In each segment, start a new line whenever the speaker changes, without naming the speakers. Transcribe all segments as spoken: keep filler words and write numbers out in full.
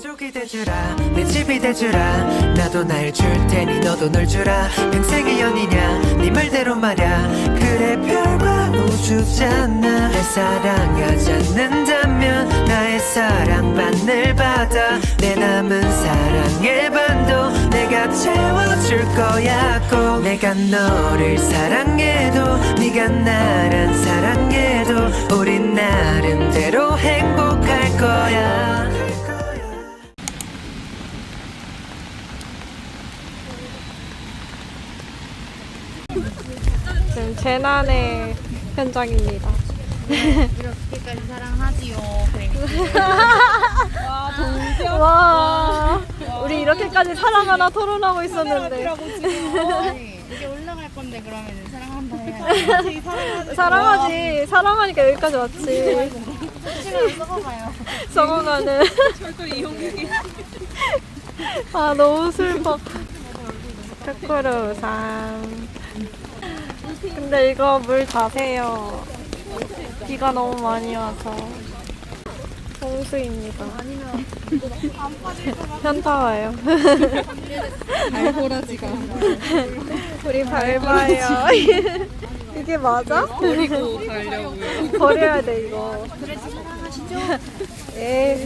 가족이 되주라 내 집이 되주라 나도 날 줄 테니 너도 널 주라 평생의 연이냐 네 말대로 말야 그래 별과 우주잖아 날 사랑하지 않는다면 나의 사랑만을 받아 내 남은 사랑의 반도 내가 채워줄 거야 꼭 내가 너를 사랑해도 네가 나란 사랑해도 우린 나름대로 행복할 거야.
지금 재난의 현장입니다.
이렇게까지 사랑하지요.
와, 동경. 와, 우리 이렇게까지 사랑하나 토론하고 있었는데.
아니, 이게 올라갈 건데 그러면 사랑한다 해야지.
사랑하지. 사랑하니까 여기까지 왔지.
시간 썩어가요.
썩어가는.
절도 이용객이.
아, 너무 슬퍼. 크크루상. 근데 이거 물 자세요. 비가 너무 많이 와서. 홍수입니다.
아니면 안 빠질 것 같아.
현타 와요.
알보라지가.
우리 밟아요. 이게 맞아?
버리고 가려고요.
버려야 돼 이거.
그래 사랑하시죠?
에.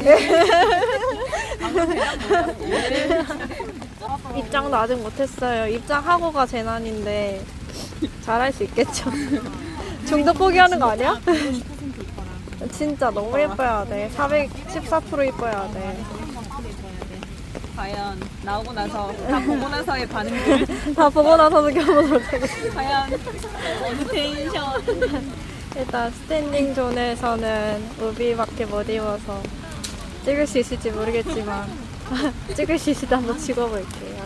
입장도 아직 못했어요. 입장하고가 재난인데 잘할 수 있겠죠. 중독 포기하는 거 아니야? 진짜 너무 예뻐야 돼. 사백십사 퍼센트 예뻐야 돼.
과연 나오고 나서 다 보고 나서의 반응들
다 보고 나서도 겨보도록 하겠습니다.
과연 어느 텐션
일단 스탠딩 존에서는 우비밖에 못 입어서 찍을 수 있을지 모르겠지만 찍을 수 있을 때 한번 찍어볼게요.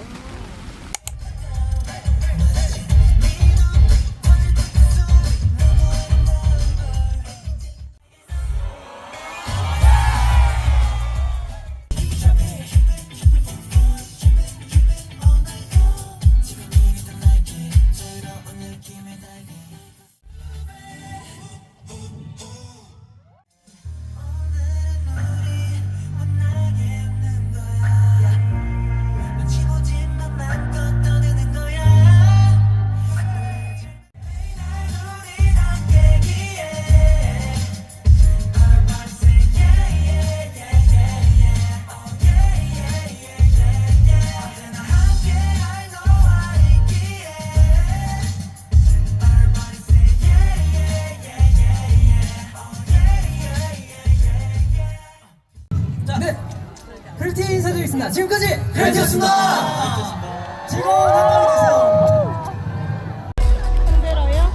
네, 벨트 인사드리겠습니다. 지금까지 벨트였습니다. 즐거운 한밤이 되세요.
힘들어요?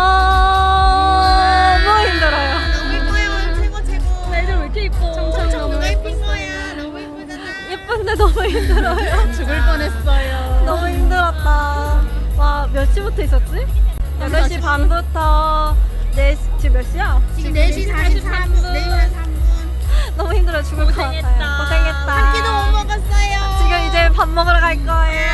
너무 힘들어요.
너무 예뻐요. 최고 최고.
애들 왜 이렇게 이뻐?
엄청 누가 예쁜 거야. 너무 예쁘잖아.
예쁜데 너무 힘들어요.
죽을 뻔했어요.
너무 힘들었다. 와, 몇 시부터 있었지? 여덟 시 반부터 네 시, 지금 몇 시야?
지금 네 시 사십삼 분. 네 시 사십삼 분.
너무 힘들어 죽을 것 같아요. 고생했다.
한 끼도 못 먹었어요.
지금 이제 밥 먹으러 갈 거예요.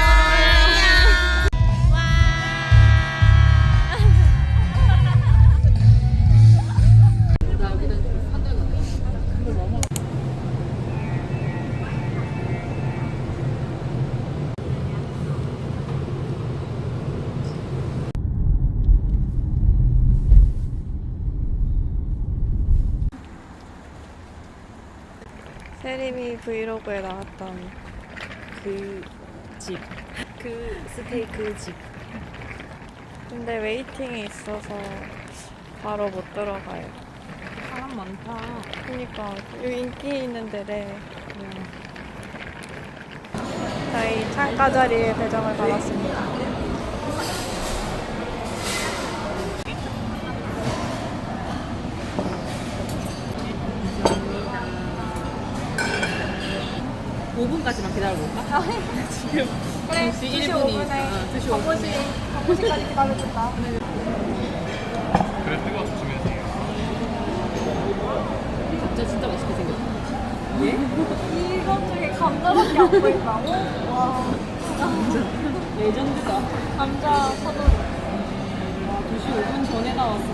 세림이 브이로그에 나왔던 그 집, 그 스테이크 집. 근데 웨이팅이 있어서 바로 못 들어가요.
사람 많다.
그니까 여기 인기 있는 데래. 저희 창가 자리에 배정을 받았습니다.
오 분까지만 기다려볼까? 지금
그래,
두 시 일 분이 있어. 두 시 오 분에.
바쁘시까지 기다려준다.
그래 뜨거워 조심해주세요.
진짜 진짜 맛있게 생겼다. 예?
이것 중에 감자밖에 안 보인다고? 와,
레전드다.
감자 사도.
두 시 오 분 전에 나왔어.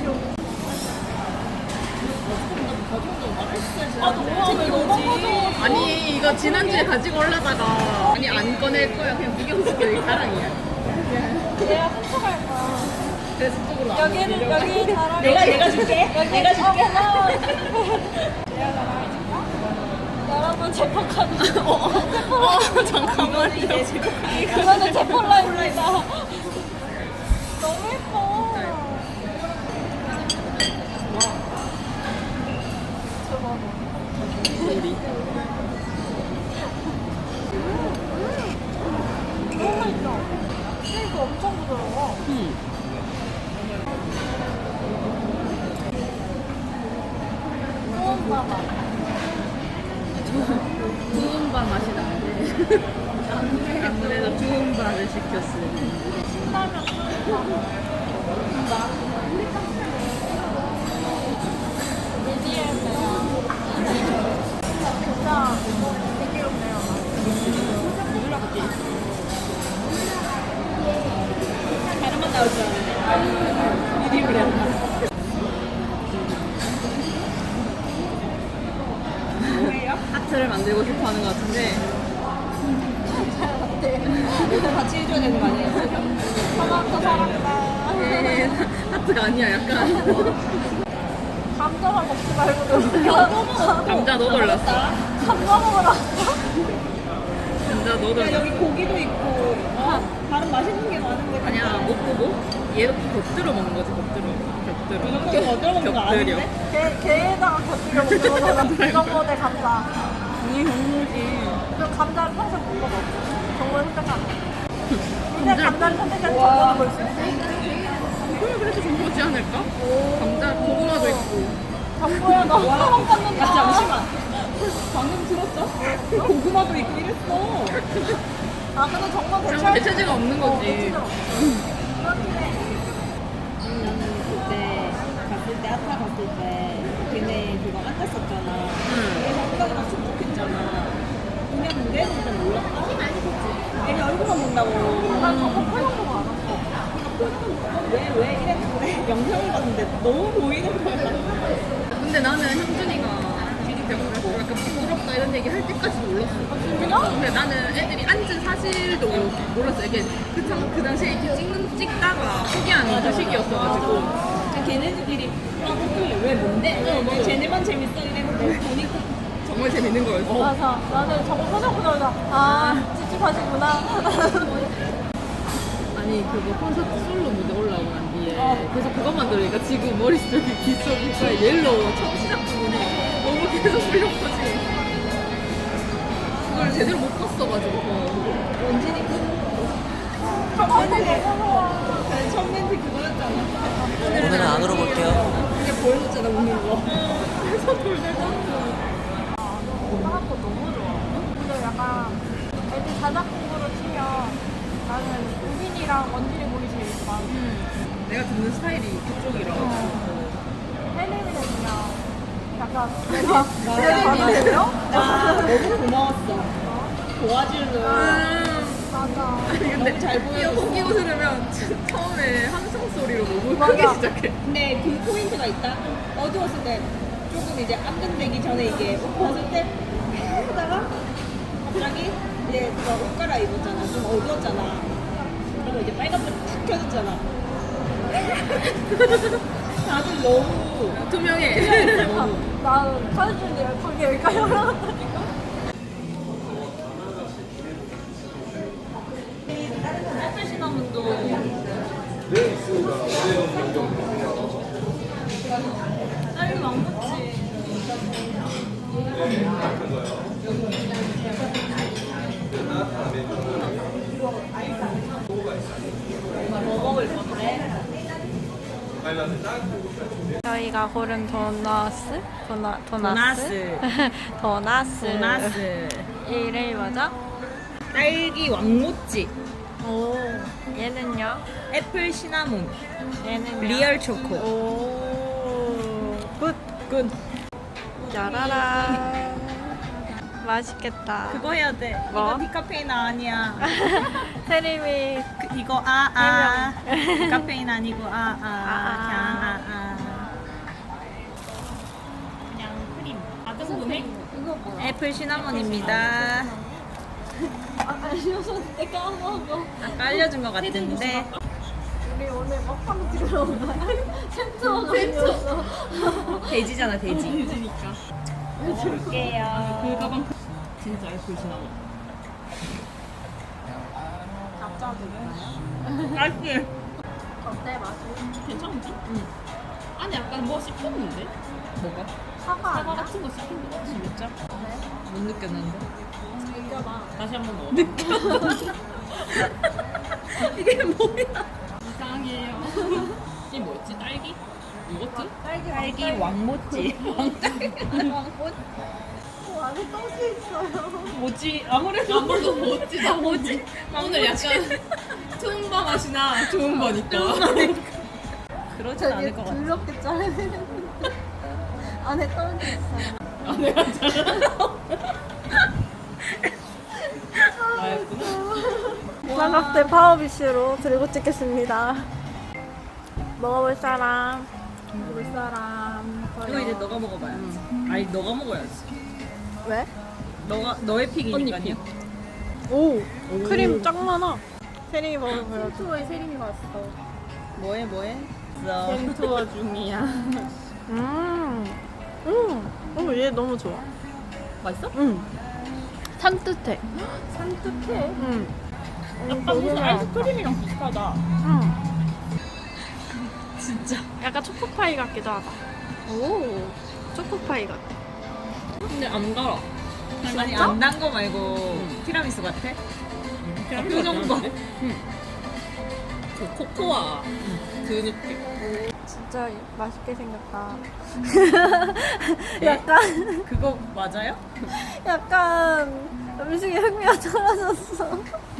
아, 너무 왜 이거지?
아니 나 지난주에 가지고 올라다가 아니 안 꺼낼 거야. 그냥 구경시켜. 여기 자랑이야.
얘가 훔쳐갈 거야.
그래서 쪽으로 안
여기를 여기 자랑.
내가 내가 줄게.
여기
내가 줄게.
어, 내가 자랑해줄까? 여러분 제 폴라입니다.
어, 어, 잠깐만.
이제 지금
그거는 제 폴라입니다. 너무 예뻐.
우리.
너무 맛있어. 스테이크 엄청 부드러워.
음.
좋은 바다.
좋은 바 맛이 나는데. 아무래도 좋은 바를 시켰으니.
신라면 좋은 바. 미디엄이야. 진짜 되게 좋네요.
다른 맛 나올 줄 알았는데. 미디움을 했나?
하트를 만들고 싶어 하는 것 같은데.
너도 같이 해줘야 되는 거 아니에요?
토마토 사랑다.
에 하트가 아니야. 약간.
감자만 먹지 말고
감자 너 놀랐어.
감자 먹으라.
감자 너
야,
놀랐어.
여기 고기도 있고 어, 다른 맛있는 게 많은데
아니야, 못 보고 얘도 겉들어 먹는 거지, 겉들어. 곁들어.
이런 거 겉들어 먹는 거
곁들여.
아닌데?
게, 게에다가 곁들여 먹는 거잖아. 이런 대 감자.
당연히 경무지.
그럼 감자를 평소에 못 먹어. 정말 선택하는 근데 감자를 선택해서 정보를 볼 수 있어.
그래, 그래도 정보지 않을까? 감자, 고구마도 있고.
정보야 너 처음
야
받는다.
잠시만 방금 들었어? 고구마도 있고 이랬어.
아 근데 정말
그럼
대체
대체제가 없는 거지.
대체제가 없어. 그렇긴 해.
나는 그때 갔을 때 아타 갔을 때 걔네 그거 앉았었잖아.
응.
그래서 엉덩이 막 축축했잖아. 그냥 내 진짜 몰랐다. 애가 얼굴만 본다고.
난 정보 표현도 안 왔어.
왜, 왜 이랬는데 영상을 봤는데 너무 보이는 거야.
근데 나는 형준이가 비디병으로 약간 부끄럽다 이런 얘기 할 때까지 몰랐어.
진짜?
근데 나는 애들이 앉은 사실도 몰랐어. 이게 그, 당, 그 당시에 이렇게 찍는, 찍다가 포기하는 그 시기였어가지고.
걔네들끼리 아 오늘 왜 뭔데? 왜 쟤네만 재밌어 이랬는데 보니까
정말 재밌는 거였어.
맞아. 나는 정보 표정 보자마자 아 찝찝하시구나.
아니 그거 콘서트 솔로 무대 올라오고 난 뒤에 그래서 그것만 들으니까 지금 머릿속에 빗속에 옐로우 첫 시작 부분이 너무 계속 풀렸거지. 그걸 제대로 못 봤어가지고.
원진이 그
아,
첫 멘트 첫 멘트 그거였잖아.
오늘은 안 울어볼게요.
그게 보여줬잖아 웃는 거.
그래서 돌들
하나도 너무 좋아. 근데 약간 애들 자작 공부를 치면 나는 우빈이랑 원진이 보기 제일 좋아.
내가 듣는 스타일이 그쪽이라.
헬리미는 그냥 약간 내가 내가 받아들여?
나 너무 고마웠어. 도와줄래.
음.
맞아.
아니 근데
너무 잘 보여줬어.
이어폰 끼고 들으면 처음에 함성 소리로 너무
맞아.
크게 시작해.
근데 그 포인트가 있다. 어두웠을 때 조금 이제 안전되기 전에 이게 옷 벗을 때 하다가 갑자기 이제 그거 옷 갈아입었잖아. 좀 어두웠잖아. 그리고 이제 빨간불 탁 켜졌잖아. 다들 너무
투명해.
나는 사진 찍는데 열하게 여기까지 올라갔다니까.
애플 시나몬도 딸기 왕꼬치. 뭐 먹을 건데?
저희가 고른 도너스? 도나, 도나스? 도나스.
도나스.
이름이 뭐죠?
딸기 왕모찌.
오. 얘는요?
애플 시나몬.
얘는요?
리얼 초코.
오. 굿.
굿.
짜라란. 맛있겠다.
그거 해야 돼.
뭐?
이거 디카페인 아니야.
세림이
그, 이거 아 아. 디카페인 아니고 아 아. 그냥 아 아. 그냥 크림. 아, 성분해?
이거 뭐야?
애플 시나몬입니다.
알려줬는데 까먹어.
아까 알려준 것 같은데.
우리 오늘 먹방 찍으러 온 거야? 센터가 아니었어.
돼지잖아, 돼지.
돼지니까.
볼게요.
그 가방 진짜 애플 시나몬.
맛있지?
어때 맛이?
괜찮은지? 응. 안에 약간 뭐 씹혔는데? 뭐가?
사과
사과
아니야?
같은 거 씹힌 거 같지? 진짜?
못 느꼈는데.
느껴봐.
다시 한 번 넣어. 느껴.
이게 뭐야?
이상해요. 이게 뭐였지? 딸기? 요거트?
딸기 왕모찌. 왕모찌.
어, 안에 떡이 있어요.
뭐지? 아무래도
아무래도 뭐지? 나 뭐지? 오늘 약간 투움바 맛이나 좋은 거니까.
그러진 않을 것 같아.
두렵게 자르야 되는데. 안에 떡이 있어요.
아, 내가 잘라. 나였구나.
삼각대 파워비쉬로 들고 찍겠습니다. 먹어볼 사람. 먹어볼 사람.
이거 이제 너가 먹어봐야지. 아니 너가 먹어야지.
왜?
너가 너의 픽이니까요.
오, 크림 짱 많아. 세림이 먹을 보여줘. 투어에 세림이 왔어.
뭐해 뭐해?
샘 투어 중이야.
음, 음, 어, 얘 너무 좋아.
맛있어?
음, 산뜻해.
산뜻해.
음,
약간 무슨 아이스크림이랑 비슷하다.
음,
진짜.
약간 초코파이 같기도 하다. 오, 초코파이 같아.
근데 안 달아.
아니 안 단 거 말고 티라미수 같아? 표정 봐.
그 코코아 그 느낌.
진짜 맛있게 생겼다. 약간,
그거 맞아요?
약간 음식에 흥미가 떨어졌어.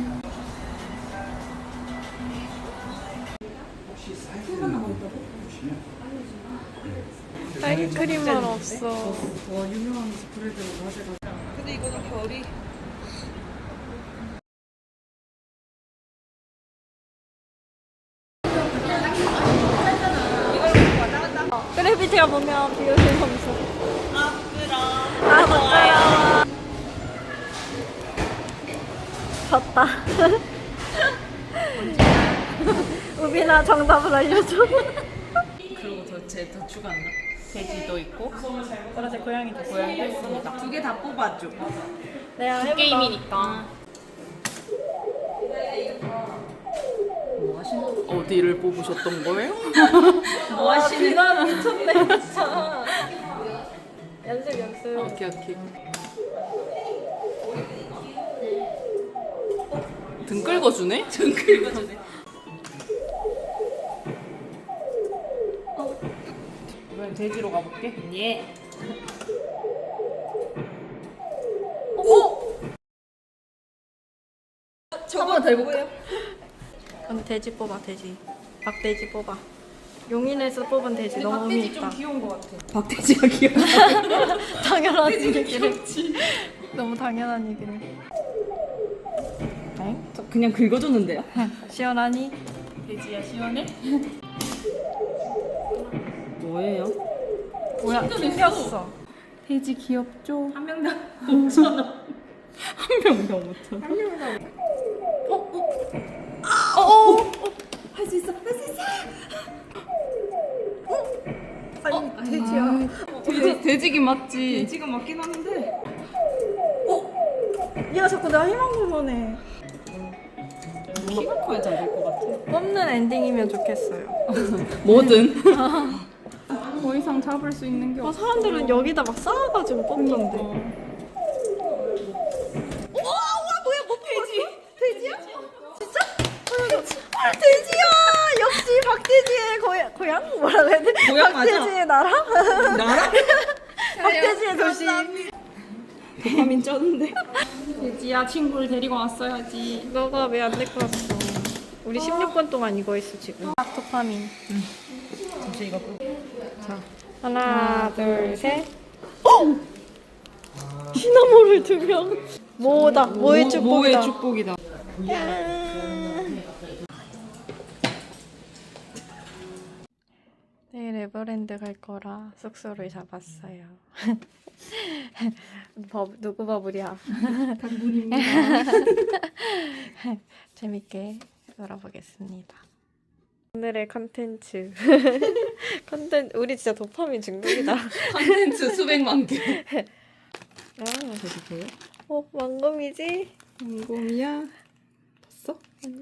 딸기 크림은 없어.
근데 이거는 별이.
그래비티가 보면 비오실 점수.
아 그럼.
아, 맞아요. 졌다. 우빈아 정답을 알려줘.
그리고 더쟤더 추가한다. 돼지도 있고
그러지 고양이도
고양이도 있습니다. 두 개 다 뽑아줘.
내가 해볼까?
게임이니까.
뭐 하시는?
어디를 뽑으셨던 거예요?
뭐 하시는?
비난 미쳤네 진짜. 연습 연습.
오케이 오케이. 등 긁어주네?
등 긁어주네.
이번엔 돼지로 가볼게.
예. 저거 더 해볼까요?
근데 돼지 뽑아 돼지. 박돼지 뽑아. 용인에서 뽑은 돼지 너무 의미 있다.
귀여운 것 같아. 박돼지가 귀여워.
당연한 얘기를. 너무 당연한 얘기를. 엥?
저 그냥 긁어줬는데요?
시원하니?
돼지야 시원해?
뭐예요?
뭐야? 튕겼어.
돼지 귀엽죠?
한 명당
한 명당 오천.
할 수 있어. 할 수 있어.
아니 돼지야.
돼지 돼지긴 맞지.
지금 맞긴 하는데.
얘가 자꾸 나 희망고문 해.
키가 커야 잘 될 것 같아.
뽑는 엔딩이면 좋겠어요.
뭐든. 더 이상 잡을 수 있는 게
아,
없어.
사람들은 여기다 막 쌓아가지고 뽑던데. 아, 돼지야! 역시 박돼지의 고향, 고향? 뭐라고 해야 돼?
고향 맞아.
박돼지의 나라?
나라?
박돼지의 도시.
도파민 쩌는데.
돼지야 친구를 데리고 왔어야지.
너가 왜 안 데리고 왔어? 우리 십육 분 동안 이거 했어, 지금. 도파민.
잠시 이거 끄고.
자, 하나, 둘, 셋. 어! 시나모를 두 명. 뭐다, 뭐의 축복이다.
뭐의 축복이다.
내일의 에버랜드 갈 거라 숙소를 잡았어요. 버, 누구 버블이야?
당분입니다.
재밌게 놀아보겠습니다. 오늘의 컨텐츠. 컨텐츠 우리 진짜 도파민 중독이다.
컨텐츠 수백만 개.
아,
보세요.
어 왕검이지?
공곰이야. 봤어?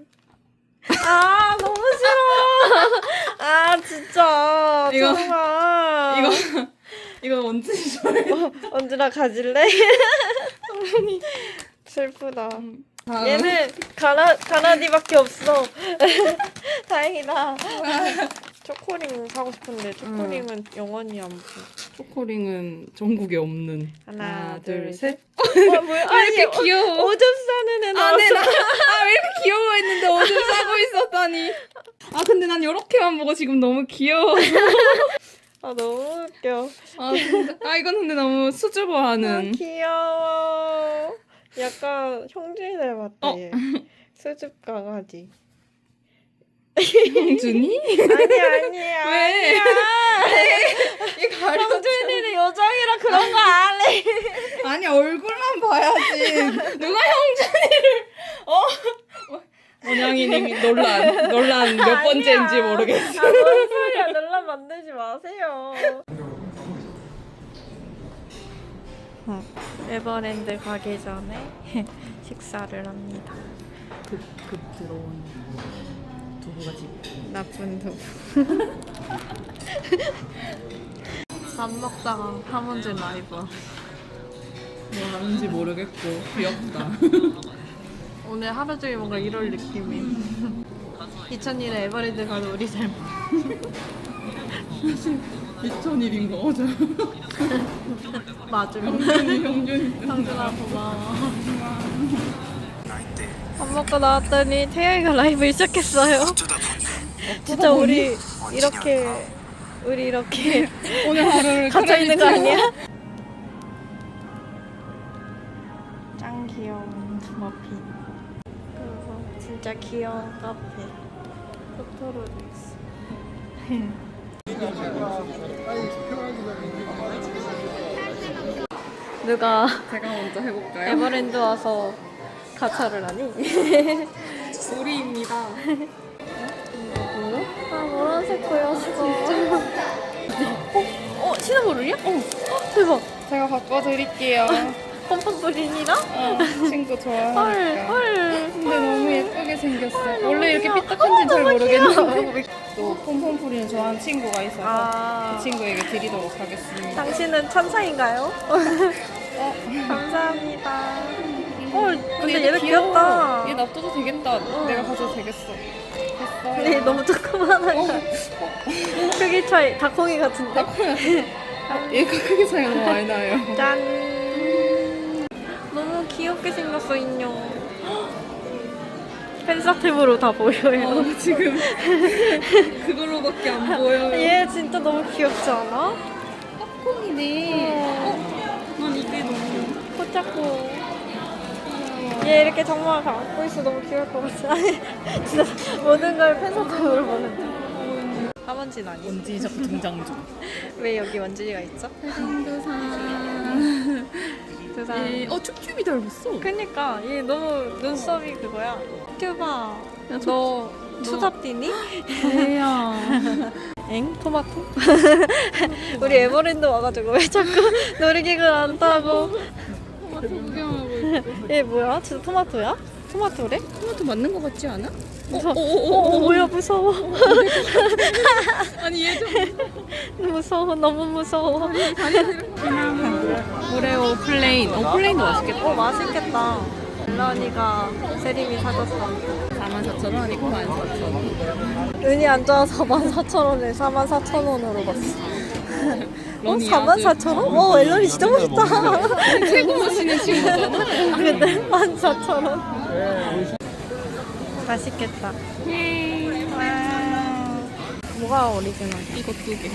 아 너무 싫어. 아 진짜.
이거-
정말.
이거 이거 원진이 좋아해.
언제나 가질래? 슬프다.
다음.
얘는 가라 가라디밖에 없어. 다행이다. 초코링 사고 싶은데 초코링은 영원히 안 보.
초코링은 전국에 없는.
하나, 둘,
셋.
어, 뭐야?
왜 이렇게
아니,
귀여워?
오줌 싸는 애 나왔어.
아네 나. 아왜 이렇게 귀여워했는데 오줌 싸고 있었다니. 아 근데 난 이렇게만 보고 지금 너무 귀여워.
아 너무 웃겨.
아, 근데, 아 이건 근데 너무
아,
수줍어하는.
귀여워. 약간 형준이 닮았다
어.
얘. 수줍 강아지.
형준이?
아니야 아니야.
왜?
아니야.
이 가려.
형준이는 요정이라 그런 거 안 해.
아니 얼굴만 봐야지. 누가 형준이를 어? 원영이님이 논란 논란 몇
아니야.
번째인지 모르겠어.
아, 뭔 소리야. 논란 만들지 마세요. 어, 에버랜드 가기 전에 식사를 합니다.
급, 급 들어온 두부가 집.
나쁜 두부. 밥 먹다가 하문진 라이브.
뭐 하는지 모르겠고 귀엽다.
오늘 하루 종일 뭔가 이럴 느낌이. 이천일에 에버랜드 가도 우리 잘
이천일인 거 맞아.
맞음.
형준이 형준이.
형준아 고마워. 밥 먹고 나왔더니 태영이가 라이브를 시작했어요. 진짜 우리 이렇게 우리 이렇게
오늘 하루를
갇혀 있는 거
크레딧으로.
아니야? 짱 귀여운 머핀. 그리고 진짜 귀여운 카페. 토토로도 있어. 누가
제가 먼저 해볼까요?
에버랜드 와서 가차를 하니?
우리입니다.
아 노란색 보였어. 어? 어? 시나모롤이야? 어. 어 대박.
제가 바꿔드릴게요.
pompom프린이랑?
어, 친구
헐
좋아하니까.
헐.
근데 너무 예쁘게 생겼어.
너무
원래 이렇게
귀여워.
삐딱한지는 잘
너무
모르겠는데.
귀여워.
또 폼폼프리는 좋아하는 친구가 있어서
아
그 친구에게 드리도록 하겠습니다.
당신은 천사인가요?
어,
감사합니다. 어 근데
얘도
얘는
귀여워.
귀엽다.
얘 놔둬도 되겠다. 내가 가져도 되겠어. 됐어.
근데 너무 조그만한 거. 크기 차이 닭콩이 같은데.
얘가 크게 차이가 너무 많이 나요.
짠. 너무 귀엽게 생겼어 인형. 팬사템으로 다 보여요.
어, 지금 그걸로밖에 안 보여요.
얘 진짜 너무 귀엽지 않아?
콩이네.
어,
난 이게 너무.
코 잡고. 얘 이렇게 정말 안고 있어 너무 귀여울 것 같아. 진짜 모든 걸 팬사템으로 보는데. 하원진 아니?
원지적 등장 중.
왜 여기 원진이가 있죠?
한두산.
두산.
얘, 어, 쭈쭈비 닮았어.
그니까 얘 너무 눈썹이 그거야. 튜바.
야,
너 추잡 뛰니?
얘야.
엥? 토마토? 우리 에버랜드 와가지고 왜 자꾸 놀이기구를 안 타고.
토마토 구경하고 있고.
얘 뭐야? 진짜 토마토야? 토마토래?
토마토 맞는 거 같지 않아?
무서워. 어, 어, 뭐야 무서워.
아니 얘 좀.
무서워 너무 무서워.
오레오 플레인. 어 플레인도 맛있겠다.
어 맛있겠다. 멜런이가 세림이 사줬어.
사만 사천 원 아니고 만 사천 원.
운이 안 좋아서 사만 사천 원에 사만 사천 원으로 봤어. 어?
런이
사만
아주
사천 원? 어 앨런이 진짜 멋있다.
최고 멋있는 친구잖아.
아, 근데 만 사천 원. 맛있겠다. 와. 뭐가 오리지널이야?
이거 두 개.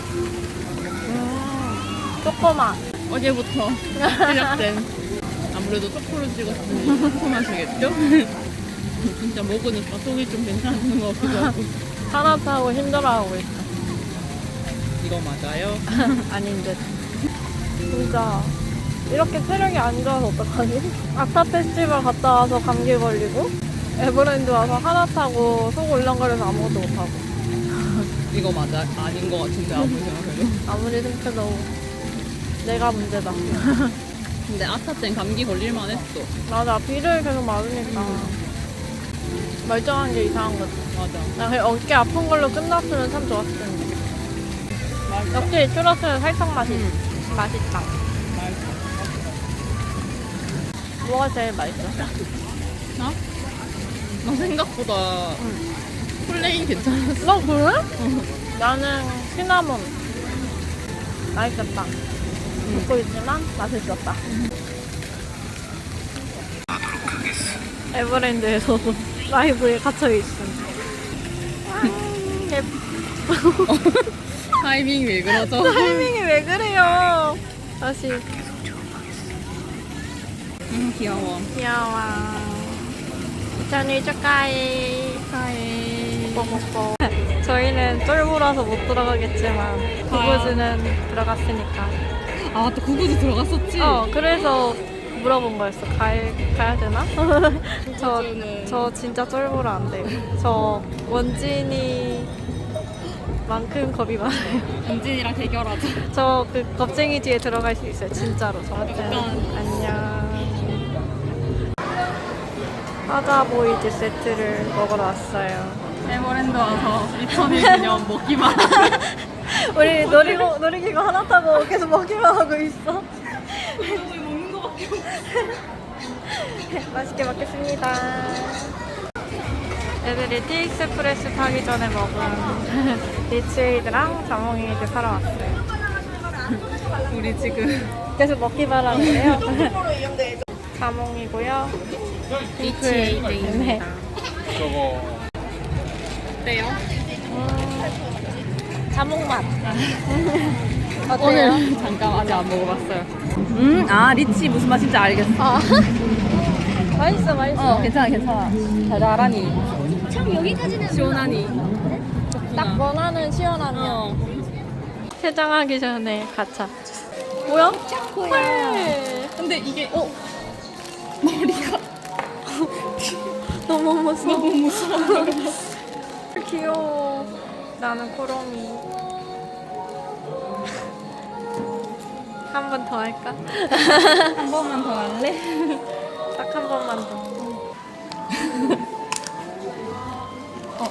조그마.
어제부터 시작된. 안 그래도 초코를 찍었으니 상큼하시겠죠? 진짜 먹으니까 속이 좀 괜찮은 것 같기도 하고.
하나 타고 힘들어하고 있어.
이거 맞아요?
아닌데. 진짜 이렇게 체력이 안 좋아서 어떡하지? 아타 페스티벌 갔다 와서 감기 걸리고 에버랜드 와서 하나 타고 속 울렁거려서 아무것도 못하고.
이거 맞아? 아닌 것 같은데 아무리 생각해도.
아무리 생각해도 내가 문제다.
근데 아타 땐 감기 걸릴만 했어.
맞아, 비를 계속 맞으니까 멀쩡한 게 이상한 거지.
맞아.
나 그냥 어깨 아픈 걸로 끝났으면 참 좋았을 텐데.
맛있어.
역시 추러스는 살짝 맛이 맛있다.
맛있어.
뭐가 제일 맛있어?
나? 나 생각보다 플레인 괜찮았어.
너 그래? 나는 시나몬 맛있었다. 먹고 있지만 맛있었다. 에버랜드에서도 라이브에 갇혀 있음. 아, 예뻐.
타이밍이 왜 그러죠?
타이밍이 왜 그래요? 다시
음, 귀여워.
귀여워. 생일 축하해. 축하해. 뽀뽀뽀. 저희는 쫄보라서 못 들어가겠지만 구구즈는 들어갔으니까.
아, 또 구구즈 들어갔었지?
어, 그래서 물어본 거였어. 가야, 가야 되나? 저,
구구즈는-
저 진짜 쫄보라 안 돼요. 저 원진이 만큼 겁이 많아요.
은진이랑 대결하자.
저 그 겁쟁이 뒤에 들어갈 수 있어요. 진짜로. 저한테.
약간.
안녕. 화자보이즈 세트를 먹으러 왔어요.
에버랜드 와서 이천일 기념 먹기만.
우리 놀이고, 놀이기구 하나 타고 계속 먹기만 하고 있어.
먹는 거밖에 없어.
맛있게 먹겠습니다. 애들이 티익스프레스 타기 전에 먹은 리치에이드랑 자몽에이드 사러 왔어요.
우리 지금
계속 먹기만 하는데요. 자몽이고요.
리치에이드입니다. 어때요?
음, 자몽 맛. 어때요?
오늘 잠깐 아직 안 먹어봤어요. 음, 아 리치 무슨 맛인지 알겠어.
아. 맛있어, 맛있어.
어, 괜찮아, 괜찮아. 달달하니.
참 여기까지는
시원하니.
딱 원하는 시원함이야.
어.
퇴장하기 전에 가차. 뭐야? 헐.
근데 이게 어 머리가
너무 무서워.
너무 무서워.
귀여워. 나는 코롬이. 한 번 더 할까?
한 번만 더 할래?
딱 한 번만 더.
어.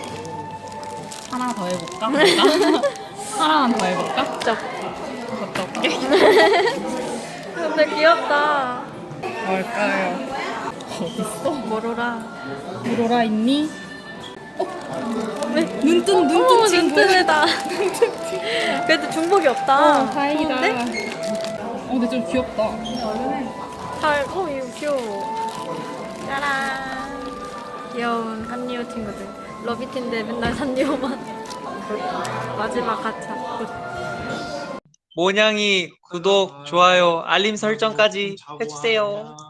하나 더 해볼까? 하나만 더 해볼까?
쩝.
갔다 올게.
근데 귀엽다.
뭘까요? 어딨어?
모로라.
오로라 있니?
왜?
눈뜬 눈뜬
오,
친구.
눈뜨네다. 그래도 중복이 없다.
어, 다행이다.
좋은데?
어, 근데 좀 귀엽다.
잘, 오, 이거 귀여워. 짜란. 귀여운 산리오 친구들. 러비틴데 맨날 산리오만. 마지막 가차. 굿.
모냥이 구독, 좋아요, 알림 설정까지 해주세요.